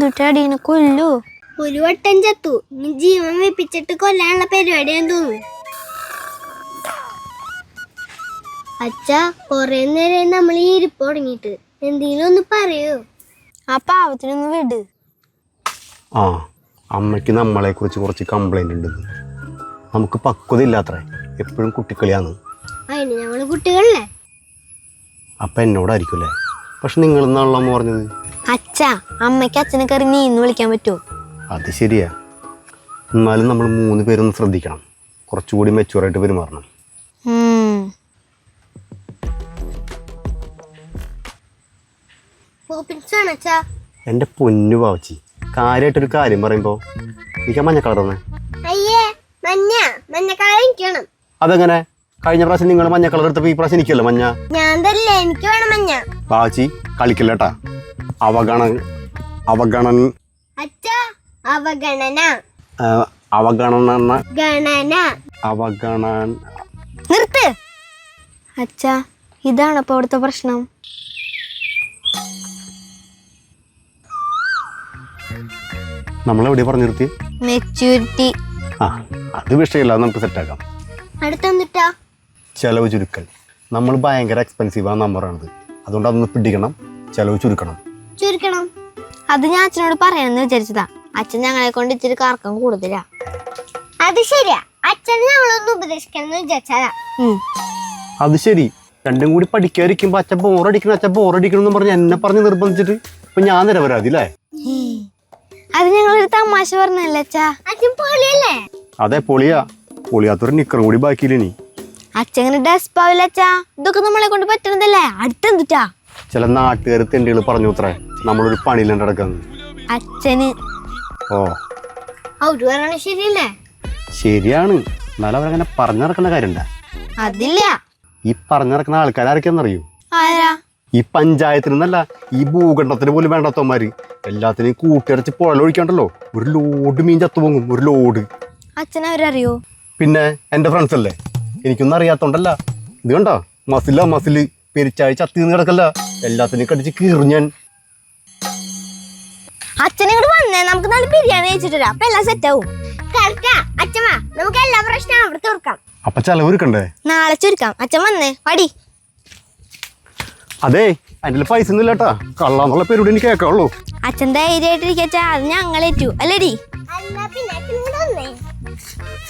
എന്തുട്ടാടീനെ കൊല്ലു? ഒരു വട്ടം ചത്തു, നീ ജീവൻ വെപ്പിച്ചിട്ട് കൊല്ലാനുള്ള പരിപാടിയാന്ന് തോന്നുന്നു. അച്ഛാ, കൊറേ നേരം നമ്മൾ ഈ ഇരിപ്പ് തുടങ്ങിയിട്ട് എന്തെങ്കിലും ഒന്ന് പറയൂ. ആ പാവത്തിനൊന്ന് വിട്. ആ, അമ്മയ്ക്ക് നമ്മളെ കുറിച്ച് കുറച്ച് കംപ്ലൈന്റ് ഉണ്ട്. നമുക്ക് പക്വത ഇല്ലാത്രേ, എപ്പോഴും കുട്ടിക്കളിയാന്ന്. അതിന് ഞങ്ങള് കുട്ടികളല്ലേ? അപ്പം എന്നോടായിരിക്കുമല്ലേ? പക്ഷെ നിങ്ങളെന്നാണല്ലോ അമ്മ പറഞ്ഞത്. അച്ഛാ, അമ്മയ്ക്ക് അച്ഛനെ കയറി നീന്ന് വിളിക്കാൻ പറ്റുമോ? അത് ശരിയാ. എന്നാലും നമ്മൾ 3 പേരൊന്ന് ശ്രദ്ധിക്കണം, കുറച്ചുകൂടി മെച്ചുവറായിട്ട് പെരുമാറണം. എൻ്റെ പൊന്നു പാവച്ചി, കാര്യമായിട്ടൊരു കാര്യം പറയുമ്പോ എനിക്ക് മഞ്ഞ കളർ തന്നെ. അയ്യേ, മഞ്ഞ കളർ എനിക്കണം. അതെങ്ങനെ? കഴിഞ്ഞ പ്രാവശ്യം നിങ്ങൾ മഞ്ഞ കളർ എടുത്തപ്പോ ഈ പ്രാവശ്യം എനിക്കല്ലോ മഞ്ഞ. ഞാൻ തരില്ല, എനിക്ക് വേണം മഞ്ഞ. പാവച്ചി കളിക്കില്ലട്ടാ. അവഗണന അച്ഛാ, അവഗണന നിർത്ത്. അച്ഛാ, ഇതാണ് അപ്പൊ അവിടുത്തെ പ്രശ്നം. നമ്മളെവിടെ പറഞ്ഞു നിർത്തി? മെച്യൂരിറ്റി. ആ, അത് വിഷയമില്ല, നമുക്ക് സെറ്റാക്കാം. അടുത്തെന്നിട്ടാ? ചെലവ് ചുരുക്കൽ. നമ്മൾ ഭയങ്കര എക്സ്പെൻസീവ് ആ നമ്പറാണിത്, അതുകൊണ്ട് അതൊന്ന് പിടിക്കണം. ചെലവ് ചുരുക്കണം. അത് ഞാൻ അച്ഛനോട് പറയാനെന്ന് വിചാരിച്ചതാ. അച്ഛൻ ഞങ്ങളെ കൊണ്ട് ഇച്ചിരി കറക്കം കൂടുതലാ. അത് ശരിയാ, അച്ഛൻ ഞങ്ങളൊന്ന് ഉപദേശിക്കണം വിചാരിച്ചാ. അത് ശരി. രണ്ടും കൂടി പഠിക്കാതിരിക്കുമ്പോ അച്ഛൻ ബോറടിക്കണം എന്ന് പറഞ്ഞ് എന്നെ പറഞ്ഞ് നിർബന്ധിച്ചിട്ട് ഇപ്പൊ ഞാൻ നിരപരാധി അല്ലേ? അത് ഞങ്ങളൊരു തമാശ പറഞ്ഞല്ലേ അച്ഛാ. അച്ഛൻ പൊളിയല്ലേ? അതെ, പൊളിയാത്തൊരു നിക്കറും കൂടി ബാക്കിയില്ലേ? അച്ഛൻ ഡെസ്പാവില്ല അച്ഛാ, ഇതൊക്കെ നമ്മളെ കൊണ്ട് പറ്റണതല്ലേ. അടുത്തെന്തുട്ടാ? ചില നാട്ടുകാർ തെണ്ടികൾ പറഞ്ഞു അത്രേ നമ്മളൊരു പണിയില്ലാണ്ട് നടക്കാന്ന്. അച്ഛന് അവര് പറയണ ശരിയല്ലേ? ശരിയാണ്. എന്നാലും അവരങ്ങനെ പറഞ്ഞു നടക്കുന്ന കാര്യണ്ട. അതില്ല. ഈ പറഞ്ഞു നടക്കുന്ന ആൾക്കാരൊക്കെയാണെന്നറിയൂ? ആരാ? ഈ പഞ്ചായത്തിനല്ല, ഈ ഭൂഖണ്ഡത്തിന് പോലും വേണ്ടാത്തവന്മാര് എല്ലാത്തിനും കൂട്ടിയടച്ച് പുഴലൊഴിക്കാണ്ടല്ലോ, ഒരു ലോഡ് മീൻ ചത്തുപോകും. ഒരു ലോഡ്. അച്ഛനവരറിയോ? പിന്നെ എന്റെ ഫ്രണ്ട്സ് അല്ലേ, എനിക്കൊന്നും അറിയാത്തോണ്ടല്ല. ഇത് കണ്ടോ, മസില് പെരിച്ചാഴി ചത്തി നിന്ന് കിടക്കല്ല, എല്ലാത്തിനും കടിച്ച് കീറിഞ്ഞാൻ. അച്ഛനോട് വന്നേ, നമുക്ക് നല്ല ബിരിയാണി കഴിച്ചിട്ട് അപ്പൊ എല്ലാം സെറ്റ് ആവും. അച്ഛമ്മ, നമുക്ക് എല്ലാ പ്രശ്നവും അവിടെ തീർക്കാം. അപ്പൊ ചെലവൊരുക്കണ്ടേ? നാളെ ചുരുക്കാം. അച്ഛൻ വന്നേ, പടി. അതെ, അതിന്റെ പൈസ ഒന്നും ഇല്ലാട്ടാ, കള്ളാന്നുള്ള പേരോട് എനിക്ക് കേൾക്കാവുള്ളൂ. അച്ഛൻ ധൈര്യമായിട്ടിരിക്കാ, അത് ഞങ്ങളേറ്റു അല്ലേടി? അല്ല, പിന്നെ